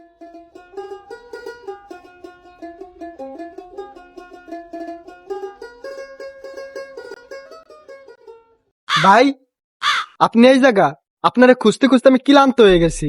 ভাই, আপনি এই জায়গা? আপনারা খুঁজতে খুঁজতে আমি ক্লান্ত হয়ে গেছি।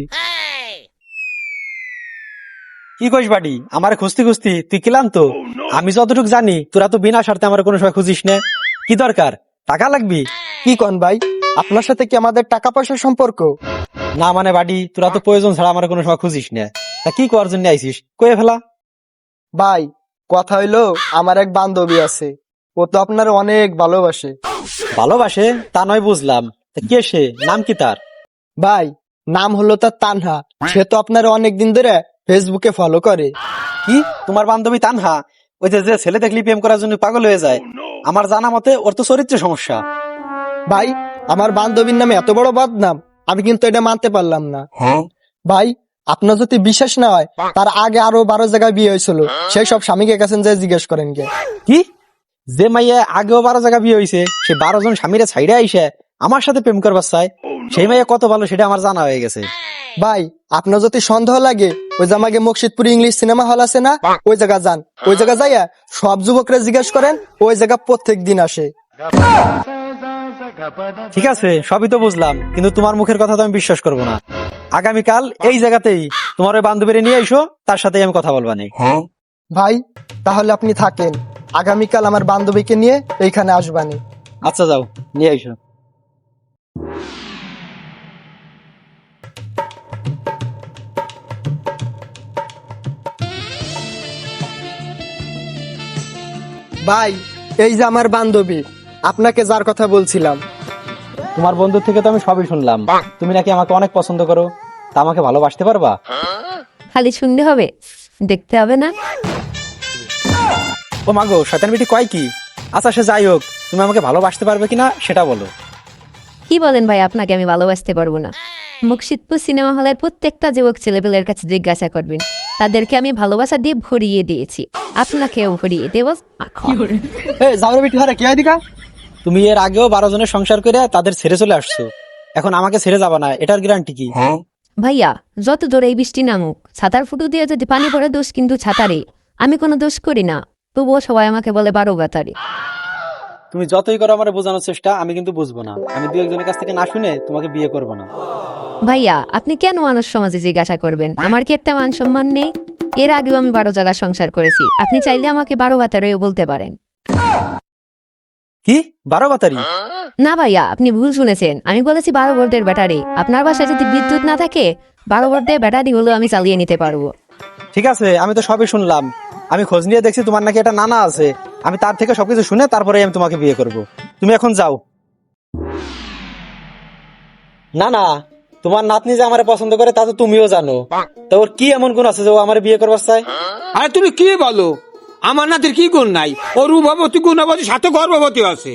কি কইস বাড়ি, আমার খুঁজতে খুঁজতে তুই ক্লান্ত? আমি যতটুকু জানি তোরা তো বিনা স্বার্থে আমার কোনো সময় খুঁজিস না। কি দরকার, টাকা লাগবি? কি কন ভাই, আপনার সাথে কি আমাদের টাকা পয়সার সম্পর্ক? না মানে বাড়ি, তোরা তো প্রয়োজন ছাড়া আমার কোনো সময় খুঁজিস না। তা কি করার জন্য আইসিস, কয়ে ফেলা। ভাই, কথা হইলো আমার এক বান্ধবী আছে, ও তো আপনার অনেক ভালোবাসে। ভালোবাসে তা নয় বুঝলাম, তা কে সে, নাম কি তার? ভাই, নাম হলো তার তানহা। সে তো আপনার অনেকদিন ধরে ফেসবুকে ফলো করে। কি, তোমার বান্ধবী তানহা? ওই যে ছেলে দেখলি প্রেম করার জন্য পাগল হয়ে যায়। আমার জানা মতে ওর তো চরিত্রের সমস্যা। ভাই, আমার বান্ধবীর নামে এত বড় বদনাম, আমি কিন্তু এটা মানতে পারলাম না। ভাই, আপনার যদি বিশ্বাস না হয়, তার আগে আরো 12 জায়গায় বিয়ে হয়েছিল। সেই সব স্বামীকে কাছে যে জিজ্ঞেস করেন গে। কি, যে মাইয়া আগেও 12 জায়গা বিয়ে হয়েছে, সে 12 জন স্বামীরা ছাইড়ে আইসে আমার সাথে প্রেম করবার চায়? সেই মাইয়া কত ভালো সেটা আমার জানা হয়ে গেছে। ভাই, আপনার যদি সন্দেহ লাগে, ওই যে আমাকে মুর্শিদপুর ইংলিশ সিনেমা হল আছে না, ওই জায়গা যান। ওই জায়গা যাইয়া সব যুবকরা জিজ্ঞেস করেন, ওই জায়গা প্রত্যেক দিন আসে। ঠিক আছে, সবই তো বুঝলাম, কিন্তু তোমার মুখের কথা তো আমি বিশ্বাস করবো না। আগামীকাল এই জায়গাতেই তোমার ওই বান্ধবীরে নিয়ে আইসো, তার সাথে আমি কথা বলবা নি। ভাই, তাহলে আপনি থাকেন, আগামীকাল আমার বান্ধবীকে নিয়ে এইখানে আসবানি। আচ্ছা যাও, নিয়ে আইসো। ভাই, এই যে আমার বান্ধবী, আপনাকে যার কথা বলছিলাম। তোমার বন্ধুর থেকে তো আমি সবই শুনলাম। তুমি নাকি আমাকে অনেক পছন্দ করো, তা আমাকে ভালোবাসতে পারবা? খালি শুনতে হবে, দেখতে হবে না? ও মাগো, শয়তান বেটি কয় কি? আচ্ছা সে যাই হোক, তুমি আমাকে ভালোবাসতে পারবে কিনা সেটা বলো। কি বলেন ভাই, আপনাকে আমি ভালোবাসতে পারবো না? মুর্শিদপুর সিনেমা হলের প্রত্যেকটা যুবক ছেলেপেলের কাছে জিজ্ঞাসা করবেন, তাদেরকে আমি ভালোবাসা দিয়ে ভরিয়ে দিয়েছি। আপনাকেও ভরিয়ে দেব। যাওয়ার বেটি হারে কি হয় দিকা? তুমি এর আগেও 12 জনের সংসার করে তাদের ছেড়ে চলে আসছো, এখন আমাকে ছেড়ে যাবা না, এটার গ্যারান্টি কি? ভাইয়া, যত জোরে এই বৃষ্টি নামুক, ছাতার ফুটো দিয়ে যদি পানি পড়ে, দোষ কিন্তু ছাতারে। আমি কোনো দোষ করি না, তবুও সবাই আমাকে বলে 12 গাতারি। তুমি যতই করো আমার বোঝানোর চেষ্টা, আমি কিন্তু বুঝবো না। আমি 2-1 জনের কাছ থেকে না শুনে তোমাকে বিয়ে করবো না। ভাইয়া, আপনি কেন মানুষ সমাজে জিজ্ঞাসা করবেন? আমার কি একটা মান সম্মান নেই? এর আগেও আমি 12 জায়গায় সংসার করেছি, আপনি চাইলে আমাকে 12 গাতারেও বলতে পারেন। কি 12 বাতারি? না ভাইয়া, আপনি ভুল শুনেছেন, আমি বলেছি 12 ভোল্টের ব্যাটারি। আপনার বাসায় যদি বিদ্যুৎ না থাকে, 12 ভোল্টের ব্যাটারি হলেও আমি চালিয়ে নিতে পারবো। ঠিক আছে, আমি তো সবই শুনলাম। আমি খোঁজ নিয়ে দেখছি তোমার নাকি একটা নানা আছে। আমি তার থেকে সবকিছু শুনে তারপরে আমি তোমাকে বিয়ে করব। তুমি এখন যাও। না না, তোমার নাতনি যে আমারে পছন্দ করে তা তো তুমিও জানো। তো ওর কি এমন গুণ আছে যে ও আমারে বিয়ে করবার চায়? আরে তুমি কি বলো, আমার নাতির কি গুণ নাই? ও রূপবতী, গুণবতী, সাথে গর্ভবতী আছে।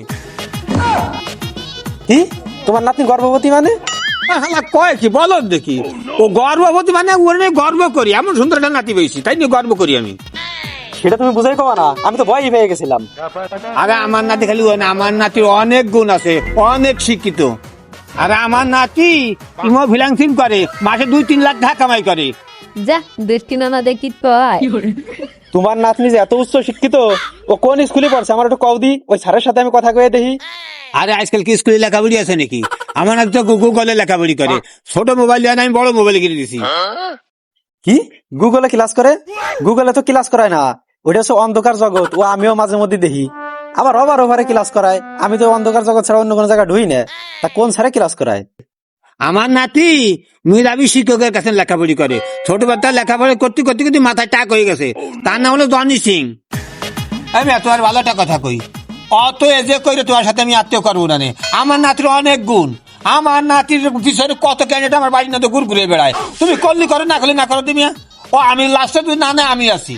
কি, তোমার নাতনি গর্ভবতী মানে? কয় কি বলো দেখি, ও গর্ভবতী মানে ওর নিয়ে গর্ব করি, এমন সুন্দর একটা নাতি পেয়েছি, তাই নিয়ে গর্ব করি আমি। সেটা তুমি বুঝাই কবা না, আমি তো ভয়ই পেয়ে গেছিলাম। আরে আমার নাতি খালি ও না, আমার নাতির অনেক গুণ আছে, অনেক শিক্ষিত। আরে আমার নাতি ইমো ফ্রিল্যান্সিং করে, মাসে 2-3 লাখ টাকা কামাই করে। যা, দৃষ্টি নানা দেখি কয়। তোমার নাতনি যে এত উচ্চ শিক্ষিত, ও কোন স্কুলে পড়ছে আমার একটু কওদি, ওই স্যারের সাথে আমি কথা কয়ে দেখি। আরে আজকাল কি স্কুলে লেখাপড়ি আছে নাকি? আমার নাতি তো গুগলে লেখাপড়ি করে। ছোট মোবাইল দিয়ে আমি বড় মোবাইল কিনে দিছি। কি, গুগলে ক্লাস করে? গুগলে তো ক্লাস করায় না, ওটা হচ্ছে অন্ধকার জগৎ। ও আমিও মাঝে মধ্যে দেখি, আবার ওভারে ক্লাস করায়। আমি তো অন্ধকার জগৎ ছাড়া অন্য কোনো জায়গায় ঢুই না। তা কোন স্যারে ক্লাস করায়? আমার নাতি মেধাবী শিক্ষকের কাছে লেখাপড়ি করে। ছোটবেলা লেখাপড়া করতে করতে করতে মাথায় টাক হয়ে গেছে। তার নাম হলো জনি সিং। আমি এত আর ভালো একটা কথা কই, অত এজে কইরে তোমার সাথে আমি আত্মীয় করবো না। আমার নাতির অনেক গুণ, আমার নাতির পিছনে কত ক্যান্ডিডেট আমার বাড়ির নাতে ঘুর ঘুরে বেড়ায়। তুমি করলি করো, না করলে না করো তুমি। ও আমি লাস্টে তুই না না আমি আছি।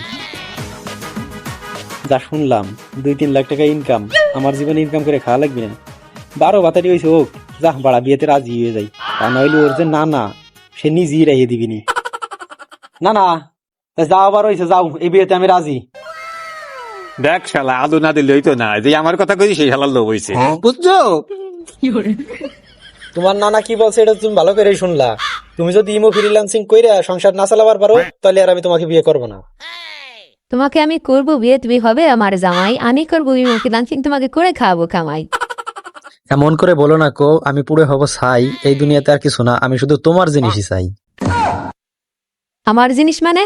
যা শুনলাম 2-3 লাখ টাকা ইনকাম, আমার জীবনে ইনকাম করে খাওয়া লাগবে না। 12 বাতারি হয়েছে হোক, যা বাড়া বিয়েতে রাজি হয়ে যাই। তা নইলে ওর যে না সে নিজেই রাইয়ে দিবিনি। না না, যাও আবার হয়েছে, যাও, এই বিয়েতে আমি রাজি। দেখ শালা, আলু না দিলে হইতো না, যে আমার কথা কইছি সেই শালার লোভ হয়েছে, বুঝছো? তোমার নানা কি বলছে এটা তুমি ভালো করে শুনলা। তুমি যদি ইমো ফ্রিল্যান্সিং কইরা সংসার না চালাবার পারো তাহলে আর আমি তোমাকে বিয়ে করব না। তোমাকে আমি করবো বিয়ে, তুমি হবে আমার জামাই, আমি করবো ফ্রিল্যান্সিং, তোমাকে করে খাওয়াবো কামাই। এমন করে বলো না কো, আমি পুরো হব ছাই, এই দুনিয়াতে আর কিছু না, আমি শুধু তোমার জিনিসই চাই। আমার জিনিস মানে?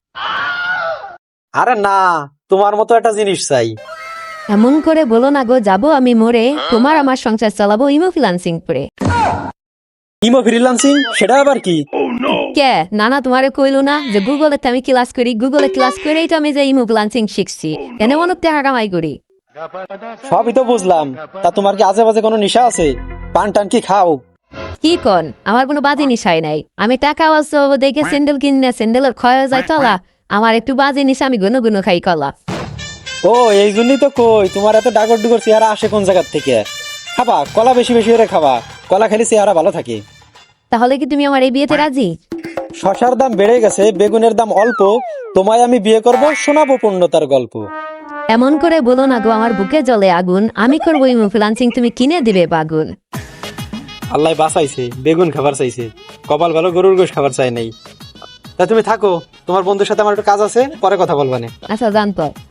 আরে না, তোমার মতো একটা জিনিস চাই। এমন করে বলো না গো, যাবো আমি মরে, তোমার আমার সংসার চালাবো ইমো ফ্রিল্যান্সিং করে। ইমো ফ্রিল্যান্সিং সেটা আবার কি? কে নানা তোমারে কইলো না যে গুগলে আমি ক্লাস করি, গুগলে ক্লাস করেই তো আমি যে ইমো ফ্রিল্যান্সিং শিখছি, এনে অনেক টাকা কামাই করি। সবই তো বুঝলাম, তা তোমার কি আজে বাজে কোনো নেশা আছে? পান টান কি খাও? কি কন, আমার কোনো বাজে নিশাই নাই। আমি টাকা অবশ্য দেখে স্যান্ডেল কিনে স্যান্ডেলের ক্ষয় হয়ে যায় তলা, আমার একটু বাজে নিশা, আমি গুনো গুনো খাই কলা। ও এই জন্যই তো কই তোমার এত ডাগর ডুগর চেহারা আসে কোন জায়গার থেকে। খাবা কলা, বেশি বেশি করে খাবা, কলা খেলে চেহারা ভালো থাকে। তাহলে কি তুমি আমার এই বিয়েতে রাজি? শশার দাম বেড়ে গেছে, বেগুনের দাম অল্প, তোমায় আমি বিয়ে করব, শোনাবো পূর্ণতার গল্প। এমন করে বলো না গো, আমার বুকে জ্বলে আগুন, আমি করবো ইমো ফ্রিল্যান্সিং, তুমি কিনে দিবে বাগুন। আল্লাহ বাঁচাইছে, বেগুন খাবার চাইছে, কপাল ভালো গরুর গোশ খাবার চাই নাই। তা তুমি থাকো, তোমার বন্ধুর সাথে আমার একটু কাজ আছে, পরে কথা বলবানে। আচ্ছা জানতো।